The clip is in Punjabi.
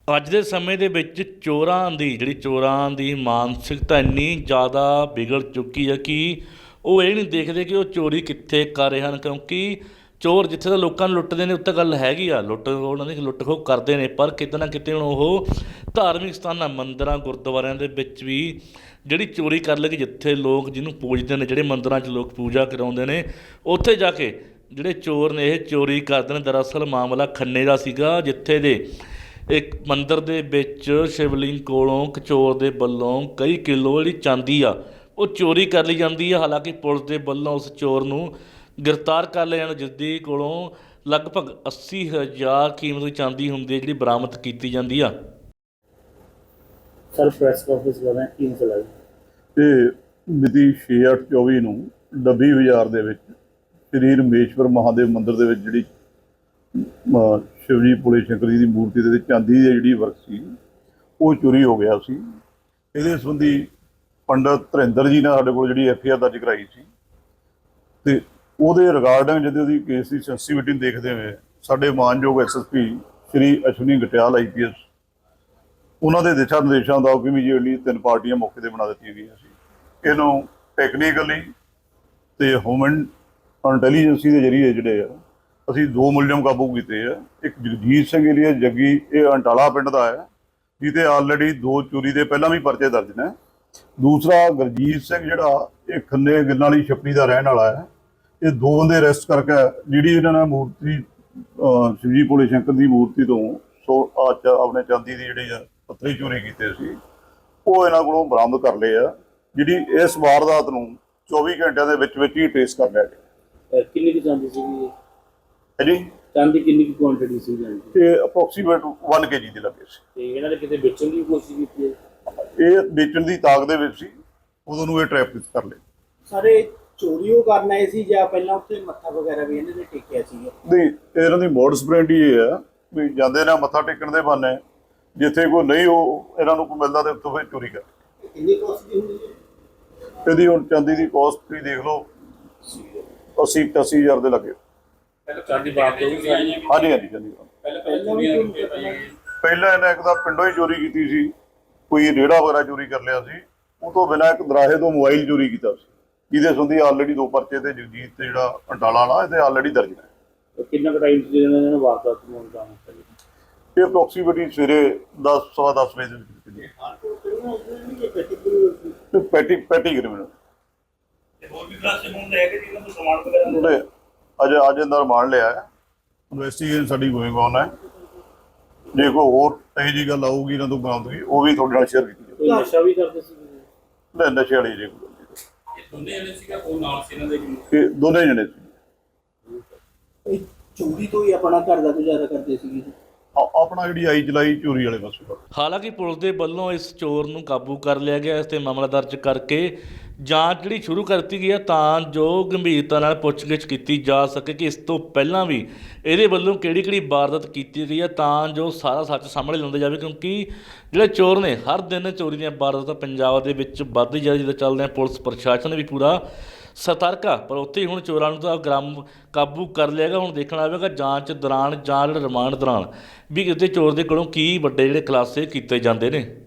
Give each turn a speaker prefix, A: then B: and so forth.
A: ਅੱਜ ਦੇ ਸਮੇਂ ਦੇ ਵਿੱਚ ਚੋਰਾਂ ਦੀ ਮਾਨਸਿਕਤਾ ਇੰਨੀ ਜ਼ਿਆਦਾ ਵਿਗੜ ਚੁੱਕੀ ਹੈ ਕਿ ਉਹ ਇਹ ਨਹੀਂ ਦੇਖਦੇ ਕਿ ਉਹ ਚੋਰੀ ਕਿੱਥੇ ਕਰ ਰਹੇ ਹਨ, ਕਿਉਂਕਿ ਚੋਰ ਜਿੱਥੇ ਤਾਂ ਲੋਕਾਂ ਨੂੰ ਲੁੱਟਦੇ ਨੇ ਉੱਥੇ ਗੱਲ ਹੈਗੀ ਆ, ਉਹਨਾਂ ਦੀ ਲੁੱਟ ਖੋਹ ਕਰਦੇ ਨੇ, ਪਰ ਕਿਤੇ ਨਾ ਕਿਤੇ ਹੁਣ ਉਹ ਧਾਰਮਿਕ ਸਥਾਨਾਂ ਮੰਦਰਾਂ ਗੁਰਦੁਆਰਿਆਂ ਦੇ ਵਿੱਚ ਵੀ ਜਿਹੜੀ ਚੋਰੀ ਕਰ ਲਏਗੀ, ਜਿੱਥੇ ਲੋਕ ਜਿਹਨੂੰ ਪੂਜਦੇ ਨੇ, ਜਿਹੜੇ ਮੰਦਰਾਂ 'ਚ ਲੋਕ ਪੂਜਾ ਕਰਾਉਂਦੇ ਨੇ, ਉੱਥੇ ਜਾ ਕੇ ਜਿਹੜੇ ਚੋਰ ਨੇ ਇਹ ਚੋਰੀ ਕਰਦੇ ਨੇ। ਦਰਅਸਲ ਮਾਮਲਾ ਖੰਨੇ ਦਾ ਸੀਗਾ, ਜਿੱਥੇ ਦੇ ਇੱਕ ਮੰਦਿਰ ਦੇ ਵਿੱਚ ਸ਼ਿਵਲਿੰਗ ਕੋਲੋਂ ਇੱਕ ਚੋਰ ਦੇ ਵੱਲੋਂ ਕਈ ਕਿਲੋ ਜਿਹੜੀ ਚਾਂਦੀ ਆ ਉਹ ਚੋਰੀ ਕਰ ਲਈ ਜਾਂਦੀ ਆ। ਹਾਲਾਂਕਿ ਪੁਲਿਸ ਦੇ ਵੱਲੋਂ ਉਸ ਚੋਰ ਨੂੰ ਗ੍ਰਿਫਤਾਰ ਕਰ ਲਿਆ ਜਾਂਦਾ, ਜਿਸ ਦੀ ਕੋਲੋਂ ਲਗਭਗ 80,000 ਕੀਮਤ ਦੀ ਚਾਂਦੀ ਹੁੰਦੀ ਹੈ ਜਿਹੜੀ ਬਰਾਮਦ ਕੀਤੀ ਜਾਂਦੀ ਆ।
B: ਸਰ ਪ੍ਰੈਸ ਕਾਨਫਰੰਸ ਕਰ ਰਹੇ ਕੀ ਮਸਲਾ ਹੈ?
C: ਇਹ ਮਿਤੀ 6/8/24 ਨੂੰ ਡੱਬੀ ਬਾਜ਼ਾਰ ਦੇ ਵਿੱਚ ਸ੍ਰੀ ਰਮੇਸ਼ਵਰ ਮਹਾਦੇਵ ਮੰਦਿਰ ਦੇ ਵਿੱਚ ਜਿਹੜੀ ਸ਼ਿਵਜੀ ਭੋਲੇ ਸ਼ੰਕਰ ਜੀ ਦੀ ਮੂਰਤੀ ਦੇ ਚਾਂਦੀ ਦੀ ਜਿਹੜੀ ਵਰਕ ਸੀ ਉਹ ਚੋਰੀ ਹੋ ਗਿਆ ਸੀ। ਇਹਦੇ ਸੰਬੰਧੀ ਪੰਡਤ ਧਰਿੰਦਰ ਜੀ ਨੇ ਸਾਡੇ ਕੋਲ ਜਿਹੜੀ FIR ਦਰਜ ਕਰਾਈ ਸੀ, ਤੇ ਉਹਦੇ ਰਿਗਾਰਡਿੰਗ ਜਦੋਂ ਉਹਦੀ ਕੇਸ ਦੀ ਸੈਂਸਿਟੀਵਿਟੀ ਨੂੰ ਦੇਖਦੇ ਹੋਏ ਸਾਡੇ ਮਾਨਯੋਗ SSP ਸ਼੍ਰੀ ਅਸ਼ਵਨੀ ਗਟਿਆਲ IPS ਉਹਨਾਂ ਦੇ ਦਿਸ਼ਾ ਨਿਰਦੇਸ਼ਾਂ ਦਾ ਇਮੀਡੀਏਟਲੀ 3 ਪਾਰਟੀਆਂ ਮੌਕੇ 'ਤੇ ਬਣਾ ਦਿੱਤੀਆਂ ਗਈਆਂ ਸੀ। ਇਹਨੂੰ ਟੈਕਨੀਕਲੀ ਤੇ ਹਿਊਮਨ ਇੰਟੈਲੀਜੈਂਸੀ ਦੇ ਜ਼ਰੀਏ ਜਿਹੜੇ ਆ ਅਸੀਂ 2 ਮੁਲਜ਼ਮ ਕਾਬੂ ਕੀਤੇ ਆ। ਇੱਕ ਜਗਜੀਤ ਸਿੰਘ ਏਲੀਆ ਜੱਗੀ, ਇਹ ਅੰਟਾਲਾ ਪਿੰਡ ਦਾ ਹੈ, ਜਿਹਤੇ ਆਲਰੇਡੀ 2 ਚੋਰੀ ਦੇ ਪਹਿਲਾਂ ਵੀ ਪਰਚੇ ਦਰਜ ਨੇ। ਦੂਸਰਾ ਗੁਰਜੀਤ ਸਿੰਘ ਜਿਹੜਾ ਇਹ ਖੰਨੇ ਗਿੱਲਾਂ ਵਾਲੀ ਛੱਪੜੀ ਦਾ ਰਹਿਣ ਵਾਲਾ ਹੈ। ਇਹ 2 ਬੰਦੇ ਅਰੈਸਟ ਕਰਕੇ ਜਿਹੜੀ ਇਹਨਾਂ ਨੇ ਮੂਰਤੀ ਸ਼ਿਵਜੀ ਭੋਲੇ ਸ਼ੰਕਰ ਦੀ ਮੂਰਤੀ ਤੋਂ ਆਪਣੇ ਚਾਂਦੀ ਦੀ ਜਿਹੜੀ ਪੱਥਰੀ ਚੋਰੀ ਕੀਤੇ ਸੀ ਉਹ ਇਹਨਾਂ ਕੋਲੋਂ ਬਰਾਮਦ ਕਰ ਲਏ ਆ, ਜਿਹੜੀ ਇਸ ਵਾਰਦਾਤ ਨੂੰ 24 ਘੰਟਿਆਂ ਦੇ ਵਿੱਚ ਹੀ ਟ੍ਰੇਸ ਕਰ ਲਿਆ ਗਿਆ।
B: ਕਿੰਨੀ ਦੀ ਚਾਂਦੀ ਸੀਗੀ
C: ਜੀ?
B: ਚਾਂਦੀ ਕਿੰਨੀ ਕੀ ਕੁਆਂਟੀਟੀ ਸੀ ਜਾਂਦੀ?
C: ਇਹ ਅਪਰੋਕਸੀਮੇਟ 1 kg ਦੇ ਲੱਗੇ ਸੀ।
B: ਤੇ ਇਹਨਾਂ ਨੇ ਕਿਤੇ ਵੇਚਣ ਦੀ ਕੋਸ਼ਿਸ਼ ਕੀਤੀ ਹੈ?
C: ਇਹ ਵੇਚਣ ਦੀ ਤਾਕ ਦੇ ਵਿੱਚ ਸੀ, ਉਦੋਂ ਨੂੰ ਇਹ ਟ੍ਰੈਪ ਕਰ ਲਏ।
D: ਸਾਰੇ ਚੋਰੀ ਉਹ ਕਰਨ ਆਏ ਸੀ ਜਾਂ ਪਹਿਲਾਂ ਉੱਥੇ ਮੱਥਾ ਵਗੈਰਾ ਵੀ ਇਹਨਾਂ ਨੇ ਟੇਕਿਆ ਸੀਗਾ?
C: ਨਹੀਂ, ਇਹਨਾਂ ਦੀ ਮੋਡਸ ਬ੍ਰੈਂਡ ਹੀ ਇਹ ਆ ਵੀ ਜਾਂਦੇ ਨੇ ਮੱਥਾ ਟੇਕਣ ਦੇ ਬਹਾਨੇ, ਜਿੱਥੇ ਕੋਈ ਨਹੀਂ ਉਹ ਇਹਨਾਂ ਨੂੰ ਕੋਈ ਮਿਲਦਾ ਤੇ ਉੱਥੋਂ ਫਿਰ ਚੋਰੀ ਕਰ।
D: ਕਿੰਨੀ ਕੋਸਟ ਦੀ ਹੁੰਦੀ ਹੈ
C: ਇਹਦੀ ਹੁਣ ਚਾਂਦੀ ਦੀ ਕੋਸਟ ਤੁਸੀਂ ਦੇਖ ਲਓ 80-85,000 ਦੇ ਲੱਗੇ।
B: ਚਾਂਦੀ ਬਾਤ ਹੋਈ ਸੀ?
C: ਹਾਂਜੀ ਹਾਂਜੀ ਚਾਂਦੀ ਪਹਿਲਾਂ ਇਹਨੇ ਇੱਕ ਤਾਂ ਪਿੰਡੋਂ ਹੀ ਚੋਰੀ ਕੀਤੀ ਸੀ, ਕੋਈ ਰੇੜਾ ਵਗੈਰਾ ਚੋਰੀ ਕਰ ਲਿਆ ਸੀ। ਉਹ ਤੋਂ ਬਿਨਾਂ ਇੱਕ ਦਰਾਹੇ ਤੋਂ ਮੋਬਾਈਲ ਚੋਰੀ ਕੀਤਾ ਸੀ, ਜਿਹਦੇ ਸੰਬੰਧੀ ਆਲਰੇਡੀ 2 ਪਰਚੇ ਤੇ ਜਗਜੀਤ ਤੇ ਜਿਹੜਾ ਅੰਟਾਲਾ ਵਾਲਾ ਇਹਦੇ ਆਲਰੇਡੀ ਦਰਜ ਨੇ।
B: ਕਿੰਨਾ ਕੁ ਟਾਈਮ ਸੀ ਇਹਨਾਂ ਨੇ ਵਾਰਦਾਤ ਨੂੰ ਅੰਜਾਮ ਦਿੱਤਾ?
C: ਇਹ ਅਪਰੋਕਸੀਮੇਟਲੀ ਸਵੇਰੇ 10-10:15 ਵਜੇ ਦੇ ਵਿੱਚ ਪੈਟੀ ਕ੍ਰਿਮੀਨਲ ਅੱਜ ਅੰਦਰ ਮਾਰ ਲਿਆ ਹੈ। ਇਨਵੈਸਟੀਗੇਸ਼ਨ ਸਾਡੀ ਗੋਇੰਗ ਔਨ ਹੈ। ਜੇ ਕੋਈ ਹੋਰ ਇਹੋ ਜਿਹੀ ਗੱਲ ਆਊਗੀ ਇਹਨਾਂ ਤੋਂ ਬਰਾਮਦਗੀ ਉਹ ਵੀ ਤੁਹਾਡੇ ਨਾਲ ਸ਼ੇਅਰ ਕੀਤੀ ਜਾਊਗੀ।
B: ਨਸ਼ਾ ਵੀ ਕਰਦੇ ਸੀ?
C: ਨਸ਼ੇ ਵਾਲੀ ਜੇ ਕੋਈ
B: ਦੋਨੇ ਜਣੇ ਸੀਗਾ ਉਹ ਨਾਲ ਸੀ ਇਹਨਾਂ ਦੇ?
C: ਇਹ ਦੋਨੇ ਜਣੇ ਸੀ।
D: ਚੋਰੀ ਤੋਂ ਹੀ ਆਪਣਾ ਘਰ ਦਾ ਗੁਜ਼ਾਰਾ ਕਰਦੇ ਸੀਗੇ?
C: ਆਪਣਾ ਜਿਹੜੀ ਆਈ ਚਲਾਈ ਚੋਰੀ ਵਾਲੇ ਪਾਸੇ।
A: ਹਾਲਾਂਕਿ ਪੁਲਿਸ ਦੇ ਵੱਲੋਂ ਇਸ ਚੋਰ ਨੂੰ ਕਾਬੂ ਕਰ ਲਿਆ ਗਿਆ, ਇਸ 'ਤੇ ਮਾਮਲਾ ਦਰਜ ਕਰਕੇ ਜਾਂਚ ਜਿਹੜੀ ਸ਼ੁਰੂ ਕਰ ਦਿੱਤੀ ਗਈ ਹੈ, ਤਾਂ ਜੋ ਗੰਭੀਰਤਾ ਨਾਲ ਪੁੱਛਗਿੱਛ ਕੀਤੀ ਜਾ ਸਕੇ ਕਿ ਇਸ ਤੋਂ ਪਹਿਲਾਂ ਵੀ ਇਹਦੇ ਵੱਲੋਂ ਕਿਹੜੀ ਵਾਰਦਾਤ ਕੀਤੀ ਗਈ ਹੈ, ਤਾਂ ਜੋ ਸਾਰਾ ਸੱਚ ਸਾਹਮਣੇ ਲਿਆਉਂਦਾ ਜਾਵੇ। ਕਿਉਂਕਿ ਜਿਹੜੇ ਚੋਰ ਨੇ ਹਰ ਦਿਨ ਚੋਰੀ ਦੀਆਂ ਵਾਰਦਾਤਾਂ ਪੰਜਾਬ ਦੇ ਵਿੱਚ ਵੱਧਦੀ ਜਾ ਰਹੀ, ਜਿੱਦਾਂ ਚੱਲਦੇ ਆ ਪੁਲਿਸ ਪ੍ਰਸ਼ਾਸਨ ਵੀ ਪੂਰਾ ਸਤਰਕ ਆ, ਪਰ ਉੱਥੇ ਹੀ ਹੁਣ ਚੋਰਾਂ ਨੂੰ ਤਾਂ ਕਾਬੂ ਕਰ ਲਿਆ ਗਿਆ। ਹੁਣ ਦੇਖਣਾ ਆਵੇਗਾ ਜਾਂਚ ਦੌਰਾਨ ਜਾਂ ਰਿਮਾਂਡ ਦੌਰਾਨ ਵੀ ਕਿਤੇ ਚੋਰ ਦੇ ਕੋਲੋਂ ਕੀ ਵੱਡੇ ਜਿਹੜੇ ਖੁਲਾਸੇ ਕੀਤੇ ਜਾਂਦੇ ਨੇ।